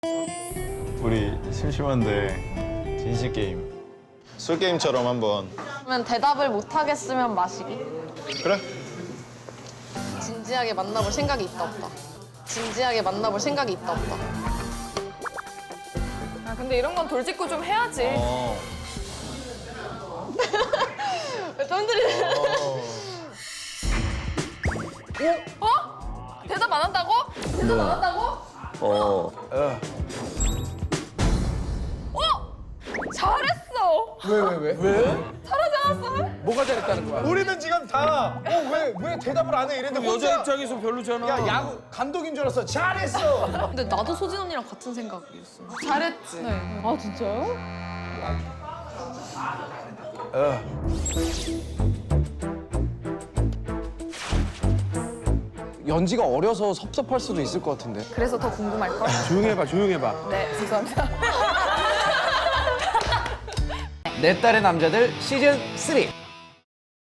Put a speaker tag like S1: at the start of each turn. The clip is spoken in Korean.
S1: 우리 심심한데 진실 게임. 술 게임처럼 한번.
S2: 그러면 대답을 못 하겠으면 마시기.
S1: 그래?
S2: 진지하게 만나볼 생각이 있다 없다. 진지하게 만나볼 생각이 있다 없다.
S3: 아, 근데 이런 건 돌직구 좀 해야지.
S2: 왜 뜸들이네.
S3: 어? 대답 안 한다고? 대답 안 한다고? 어? 잘했어.
S4: 왜?
S3: 잘하지 않았어?
S4: 뭐가 잘했다는 거야?
S5: 우리는 지금 다 왜 대답을 안 해 이랬는데
S4: 여자
S5: 혼자
S4: 입장에서 별로잖아.
S5: 야 야구 감독인 줄 알았어. 잘했어.
S2: 근데 나도 소진 언니랑 같은 생각이었어.
S3: 잘했지.
S2: 네.
S3: 아, 진짜요?
S6: 연지가 어려서 섭섭할 수도 있을 것 같은데.
S3: 그래서 더 궁금할걸?
S4: 조용해봐, 조용해봐.
S3: 네, 죄송합니다.
S6: 내 딸의 남자들 시즌 3.